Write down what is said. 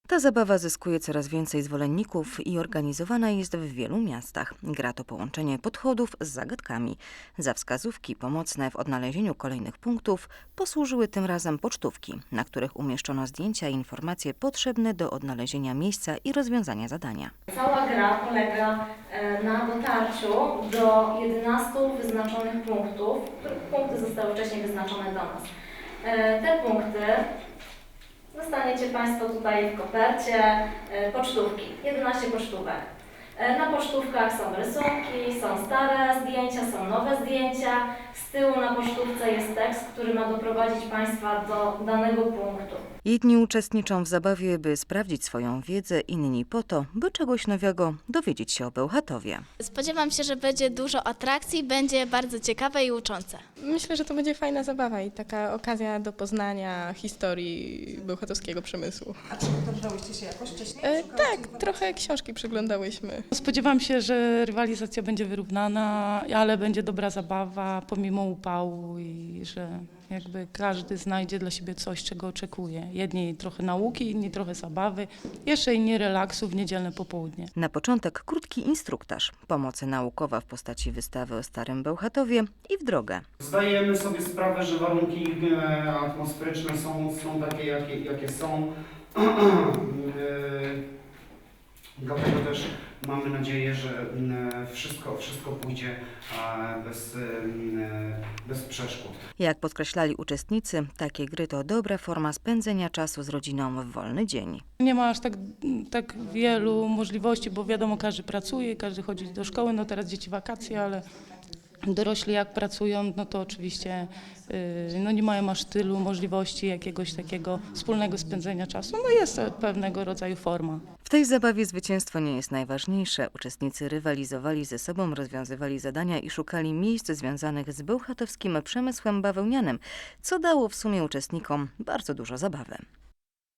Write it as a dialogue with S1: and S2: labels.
S1: Ta zabawa zyskuje coraz więcej zwolenników i organizowana jest w wielu miastach. Gra to połączenie podchodów z zagadkami. Za wskazówki pomocne w odnalezieniu kolejnych punktów posłużyły tym razem pocztówki, na których umieszczono zdjęcia i informacje potrzebne do odnalezienia miejsca i rozwiązania zadania.
S2: Cała gra polega na dotarciu do 11 wyznaczonych punktów, których punkty zostały wcześniej wyznaczone do nas. Te punkty dostaniecie Państwo tutaj w kopercie pocztówki, 11 pocztówek. Na pocztówkach są rysunki, są stare zdjęcia, są nowe zdjęcia. Z tyłu na pocztówce jest tekst, który ma doprowadzić Państwa do danego punktu.
S1: Jedni uczestniczą w zabawie, by sprawdzić swoją wiedzę, inni po to, by czegoś nowego dowiedzieć się o Bełchatowie.
S3: Spodziewam się, że będzie dużo atrakcji, będzie bardzo ciekawe i uczące.
S4: Myślę, że to będzie fajna zabawa i taka okazja do poznania historii bełchatowskiego przemysłu.
S5: A przygotowywałyście się jakoś wcześniej?
S4: Tak, trochę książki przeglądałyśmy.
S6: Spodziewam się, że rywalizacja będzie wyrównana, ale będzie dobra zabawa pomimo upału i że jakby każdy znajdzie dla siebie coś, czego oczekuje. Jedni trochę nauki, inni trochę zabawy, jeszcze inni relaksu w niedzielne popołudnie.
S1: Na początek krótki instruktaż, pomoc naukowa w postaci wystawy o Starym Bełchatowie i w drogę.
S7: Zdajemy sobie sprawę, że warunki atmosferyczne są takie, jakie są. Dlatego też mamy nadzieję, że wszystko pójdzie bez przeszkód.
S1: Jak podkreślali uczestnicy, takie gry to dobra forma spędzenia czasu z rodziną w wolny dzień.
S6: Nie ma aż tak wielu możliwości, bo wiadomo, każdy pracuje, każdy chodzi do szkoły, no teraz dzieci wakacje, ale dorośli jak pracują, no to oczywiście no nie mają aż tylu możliwości jakiegoś takiego wspólnego spędzenia czasu. No jest to pewnego rodzaju forma.
S1: W tej zabawie zwycięstwo nie jest najważniejsze. Uczestnicy rywalizowali ze sobą, rozwiązywali zadania i szukali miejsc związanych z bełchatowskim przemysłem bawełnianym, co dało w sumie uczestnikom bardzo dużo zabawy.